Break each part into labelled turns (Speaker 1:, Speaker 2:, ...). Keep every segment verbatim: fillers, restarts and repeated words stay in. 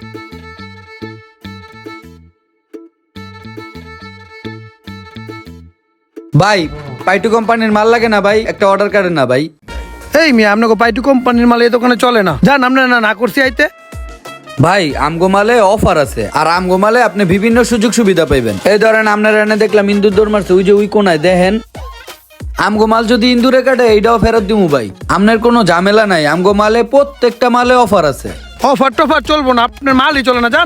Speaker 1: ভাই পাইটু কোম্পানির মাল লাগে না ভাই, একটা অর্ডার করেন না ভাই।
Speaker 2: এই মিয়া আপনাকে পাইটু কোম্পানির মাল এই দোকানে চলে না, যান আপনার না না করছি আইতে।
Speaker 1: ভাই আমগো মালে অফার আছে, আর আমগো মালে আপনি বিভিন্ন সুযোগ সুবিধা পাইবেন। এই ধরেন আপনার এনে দেখলাম ইন্দুর দৌড় মারছে, ওই যে ওই কোনায় দেখেন। আমগো মাল যদি ইন্দুরে কাটে এইটাও ফেরত দিমু ভাই, আপনার কোনো ঝামেলা নাই। আমগো মালে প্রত্যেকটা মালে অফার আছে।
Speaker 2: অফার টফার চলবো না, আপনার মালই চলে না, যান।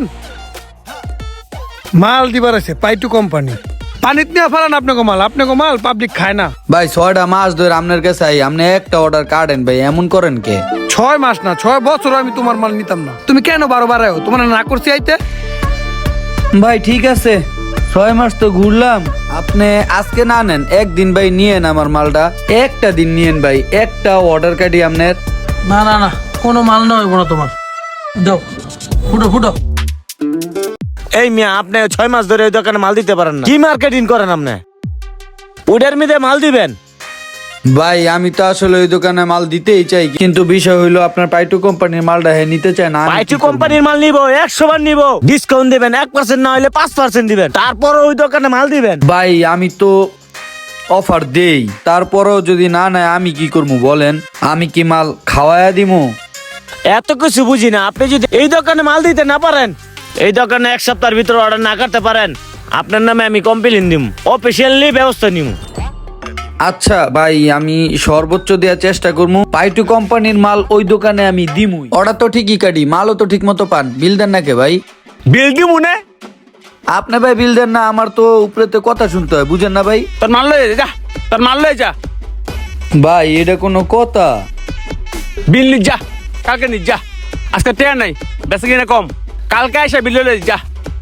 Speaker 2: মাল দিবার আছে পাইটু কোম্পানি, পানিত নিয়ে ফেলান আপনাকে মাল, আপনাকে মাল পাবলিক খায় না
Speaker 1: ভাই ছয়টা মাস ধরে আপনার কাছে আই, আপনি একটা অর্ডার কাটেন ভাই, এমন করেন কে?
Speaker 2: ছয় মাস না ছয় বছর আমি তোমার মাল নিতাম না, তুমি কেন বারো বারো তোমার না করছি আইতে।
Speaker 1: ভাই ঠিক আছে, ছয় মাস তো ঘুরলাম, আপনি আজকে না নেন, একদিন ভাই নিয়েন আমার মালটা, একটা দিন নিয়েন ভাই, একটা অর্ডার কাটি আপনার।
Speaker 3: না না না, কোনো মাল না হইব না তোমার, দাও ফুটো ফুটো।
Speaker 4: এই মিয়া আপনি ছয় মাস ধরে ওই দোকানে মাল দিতে পারেন না, কি মার্কেটিং করেন আপনি? ওটার মধ্যে মাল দিবেন?
Speaker 1: ভাই আমি তো আসলে ওই দোকানে মাল দিতেই চাই, কিন্তু বিষয় হইলো আপনার পাইটু কোম্পানির মালটা হে নিতে চায় না। আমি
Speaker 4: পাইটু
Speaker 1: কি করবো?
Speaker 4: কোম্পানির মাল নিবো, একশো বার নিবো, ডিসকাউন্ট দিবেন, এক পার্সেন্ট না হলে পাঁচ পার্সেন্ট দিবেন, তারপর ওই দোকানে মাল দিবেন।
Speaker 1: ভাই আমি তো অফার দেই, তারপরেও যদি না নেয় আমি কি করবো বলেন? আমি কি মাল খাওয়ায়া দিমু?
Speaker 4: এত কিছু বুঝি না, আপনি যদি এই দোকানে মাল দিতে না পারেন, এই দোকানে এক সপ্তাহের ভিতরে অর্ডার না করতে পারেন, আপনার নামে আমি কমপ্লেইন দিব, অফিসিয়ালি ব্যবস্থা নিব।
Speaker 1: আচ্ছা ভাই আমি সর্বোচ্চ দেওয়ার চেষ্টা করবো, পাইটু কোম্পানির মাল ওই দোকানে আমি দিমুই। অর্ডার তো ঠিকই কাটি, মালও তো ঠিক মতো পান, বিল দেন না কে ভাই?
Speaker 4: বিল দিব না?
Speaker 1: আপনি ভাই বিল দেন না, আমার তো উপরেতে কথা শুনতে হয়, বুঝেন না ভাই?
Speaker 4: তোর মাল লয়ে যা, তোর মাল লয়ে যা।
Speaker 1: ভাই এটা কোনো কথা?
Speaker 4: বিল নি যা, কালকে নি যা, আজকে টেয়া নাই, বেশি কিনা কম, কালকে এসে বিল লয়ে যা।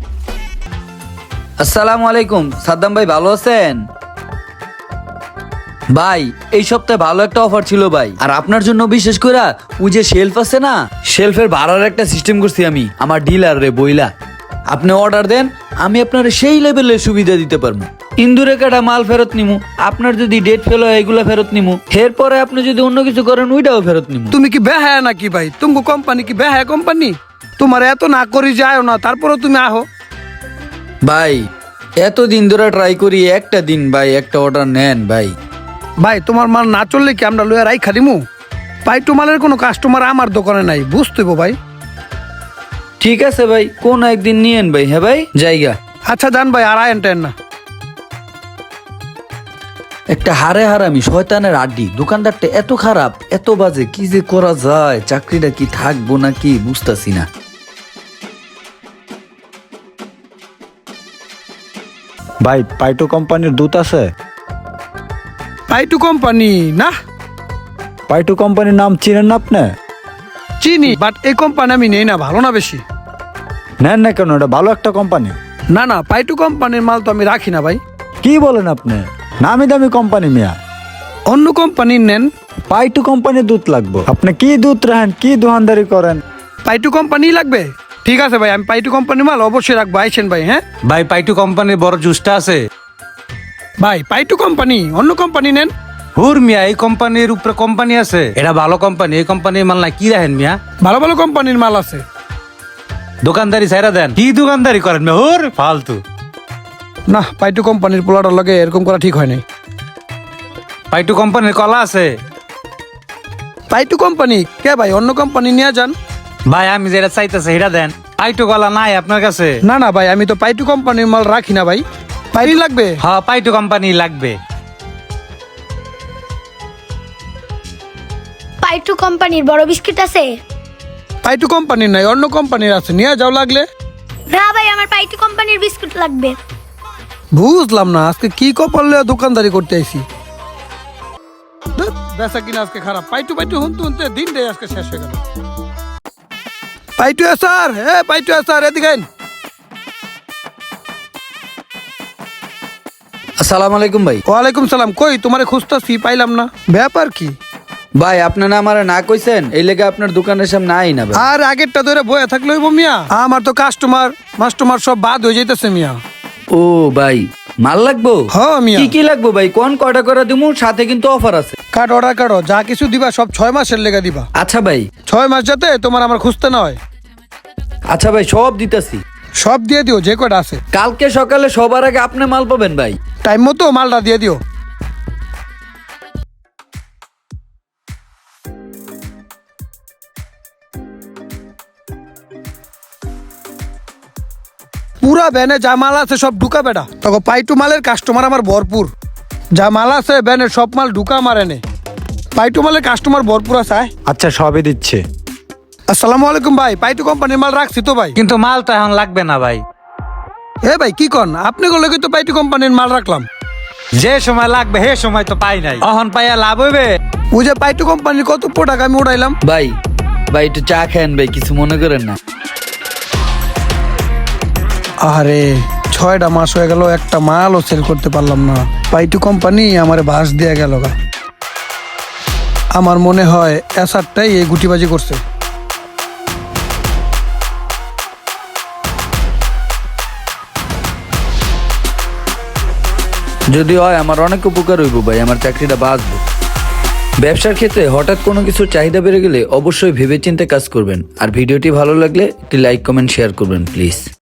Speaker 1: আসসালামু আলাইকুম সাদ্দাম ভাই, ভালো আছেন? ভাই এই সপ্তাহে ভালো একটা অফার ছিল ভাই, আর আপনার জন্য বিশেষ করে ওই যে শেলফ আছে না, শেলফের ভাড়ার একটা সিস্টেম করছি আমি আমার ডিলার রে বইলা। আপনি অর্ডার দেন, আমি আপনার সেই লেভেলের সুবিধা দিতে পারবো। ইন্দুরে কাটা মাল ফেরত নিমু, আপনার যদি ডেট ফেল হয় এগুলা ফেরত নিমু, এরপরে আপনি যদি অন্য কিছু করেন ওইটাও ফেরত নিমু।
Speaker 2: তুমি কি বেহায়া নাকি ভাই? তুমি কোম্পানি কি বেহায়া কোম্পানি? তোমার এত না করি যায় না, তারপরেও তুমি আহো।
Speaker 1: ভাই এতদিন ধরে ট্রাই করি, একটা দিন ভাই একটা অর্ডার নেন ভাই।
Speaker 2: ভাই তোমার মাল না চললে কি আমরা লইয়া রাই খালিমু? পাইটু মালের কোনো কাস্টমার আমার দোকানে নাই, বুঝতে ভাই।
Speaker 1: ঠিক আছে ভাই, কোন একদিন নিয়েন ভাই। হ্যাঁ ভাই জায়গা।
Speaker 2: আচ্ছা যান ভাই, আর আয়েন টেন না।
Speaker 1: একটা হারে হারামি শয়তানের আড্ডি, দোকানদারটা এত খারাপ, এত বাজে, কি যে করা যায়? চাকরিটা কি থাকবো নাকি বুঝতাছি না।
Speaker 5: ভাই পাইটু কোম্পানির দুধ আছে?
Speaker 2: পাইটু কোম্পানি না?
Speaker 5: পাইটু কোম্পানির নাম চিনেন না আপনি?
Speaker 2: চিনি, বাট এই কোম্পানি আমি নেই না, ভালো না বেশি।
Speaker 5: নেন না কেন, এটা ভালো একটা কোম্পানি।
Speaker 2: না না, পাইটু কোম্পানির মাল তো আমি রাখি না ভাই।
Speaker 5: কি বলেন আপনি? নামি দামি কোম্পানি মিয়া।
Speaker 2: অন্য কোম্পানির নেন।
Speaker 5: পাইটু কোম্পানির দুধ লাগবে। আপনি কি দুধ রাখেন, কি দোকানদারি করেন?
Speaker 2: পাইটু কোম্পানি লাগবে? ঠিক আছে ভাই, আমি পাইটু কোম্পানির মাল অবশ্যই রাখবো, আইসেন ভাই। হ্যাঁ
Speaker 6: ভাই পাইটু কোম্পানির বড় জুসটা আছে?
Speaker 2: ভাই পাইটু কোম্পানি, অন্য কোম্পানি নেন।
Speaker 6: হুর মিয়া, এই কোম্পানির উপরে কোম্পানি আছে, এটা ভালো কোম্পানি, এই কোম্পানির মাল না কি রাখেন মিয়া?
Speaker 2: ভালো ভালো কোম্পানির মাল আছে।
Speaker 6: দোকানদারি ছাইরা দেন, কি দোকানদারি করেন মিয়া? হুর ফালতু।
Speaker 2: না, পাইটু কোম্পানির পোলাটার লগে এরকম করা ঠিক হয় নাই।
Speaker 6: পাইটু কোম্পানির কলা আছে?
Speaker 2: পাইটু কোম্পানি কে ভাই, অন্য কোম্পানি নিয়ে যান।
Speaker 6: ভাই আমি যেটা চাইতেছি সেটা দেন, পাইটু কলা নাই আপনার কাছে?
Speaker 2: না না ভাই, আমি তো পাইটু কোম্পানির মাল রাখি না ভাই। পাইটু লাগবে?
Speaker 6: হ্যাঁ পাইটু কোম্পানি লাগবে।
Speaker 7: পাইটু কোম্পানির বড় বিস্কিট আছে?
Speaker 2: পাইটু কোম্পানির নাই, অন্য কোম্পানির আছে, নিয়ে যাও লাগলে।
Speaker 7: না ভাই, আমার পাইটু কোম্পানির বিস্কুট লাগবে।
Speaker 2: বুঝলাম না আজকে কি কপাল লইয়া দোকানদারি করতে আইছি। ধুৎ, বেচা কিনা আজকে খারাপ। পাইটু পাইটু হুনতে হুনতে দিন দেয় আজকে শেষ হয়ে গেল। পাইটু স্যার, হে পাইটু স্যার, এদিকে আইন।
Speaker 1: আসসালামু আলাইকুম ভাই।
Speaker 2: ওয়ালাইকুম সালাম। কই তোমারে খুঁজতাছি, পাইলাম না, ব্যাপার কি?
Speaker 1: ভাই আপনি না আমার না কইছেন, এই লেগে আপনার দোকানের সামনে আই না ভাই।
Speaker 2: আর আগেরটা ধরে বয়ে থাকলে হইব মিয়া? আমার তো কাস্টমার মাস্টমার সব বাদ হয়ে যাইতেছে মিয়া।
Speaker 1: ও ভাই মাল লাগবো?
Speaker 2: হ্যাঁ মিয়া।
Speaker 1: কি কি লাগবো ভাই কোন? কয়টা করে দিমু, সাথে কিন্তু অফার আছে।
Speaker 2: কাট অর্ডার কাটো, যা কিছু দিবা সব ছয় মাসের লেগে দিবা।
Speaker 1: আচ্ছা ভাই।
Speaker 2: ছয় মাস যাতে তোমার আমার খুঁজতে না হয়।
Speaker 1: আচ্ছা ভাই, সব দিতেছি।
Speaker 2: সব দিয়ে দিও যে কটা আছে।
Speaker 1: কালকে সকালে সবার আগে আপনি মাল পাবেন ভাই।
Speaker 2: টাইম মতো মালটা দিয়ে দিও। পুরা ব্যানে যা মাল আছে সব ঢুকা বেটা, তখন পাইটু মালের কাস্টমার আমার ভরপুর। যা মাল আছে ব্যানের সব মাল ঢুকা আমার এনে। পাইটু মালের কাস্টমার ভরপুর আছে। আয়।
Speaker 5: আচ্ছা সবই দিচ্ছে।
Speaker 2: আসসালামু আলাইকুম ভাই, পাইটু কোম্পানির মাল রাখছি তো ভাই।
Speaker 6: কিন্তু মাল তো এখন লাগবে না ভাই।
Speaker 2: এ ভাই কি কন, আপনি বলে তো পাইটু কোম্পানির মাল রাখলাম।
Speaker 6: যে সময় লাগবে হে সময় তো পাই নাই, অহন পাইয়া লাভ হইবে।
Speaker 2: ওই যে পাইটু কোম্পানির কত প্রোডাক্ট আমি উড়াইলাম।
Speaker 1: ভাই ভাই একটু চা খান ভাই, কিছু মনে করেন না।
Speaker 2: আরে ছয়টা মাস হয়ে গেল, একটা মালও সেল করতে পারলাম না। পাইটু কোম্পানি আমার বাস দিয়ে গেল গা। আমার মনে হয় এসারটাই এই গুটিবাজি করছে।
Speaker 1: যদি হয় আমার অনেক উপকার হইব ভাই, আমার চাকরিটা বাঁচবো। ব্যবসার ক্ষেত্রে হঠাৎ কোনো কিছুর চাহিদা বেড়ে গেলে অবশ্যই ভেবেচিন্তে কাজ করবেন। আর ভিডিওটি ভালো লাগলে একটি লাইক কমেন্ট শেয়ার করবেন প্লিজ।